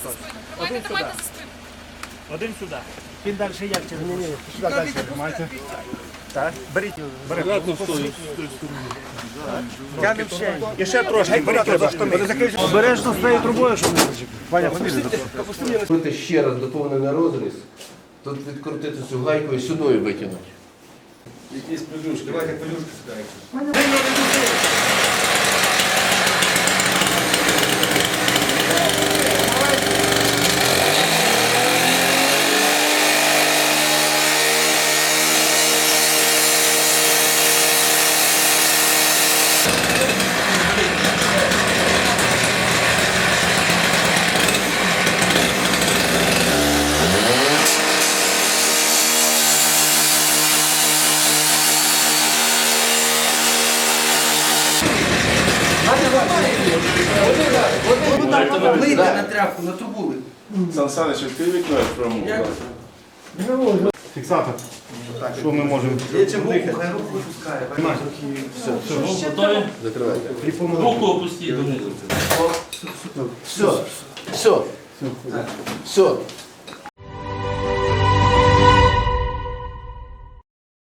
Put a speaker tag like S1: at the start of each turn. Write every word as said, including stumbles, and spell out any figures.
S1: хтось.
S2: Один
S1: Давайте,
S2: сюди.
S1: давайте за спину.
S2: Один сюди. Він далі як через ні, ні, сюди далі тримайте. Так, беріть його.
S3: Аккуратно стою.
S2: Тянемо ще. І ще трошки, беріть його за штани. Обережно з цією трубою, щоб не зачепити. Ваня, фамілія.
S4: Зробити ще раз доповнений розріз, тут відкрутити цю гайку і сюди витягнути.
S3: Якісь пелюшки. Давайте пелюшки сюди.
S4: Вийти на тряпку, на трубу.
S3: Сан Саныч, відкрий вікно, я спробую.
S2: Фіксатор. Що ми можемо?
S4: Я чим руку, хай руку випускає.
S5: Готові?
S4: Закривайте.
S5: Руку опустіть донизу.
S4: Все, все, все.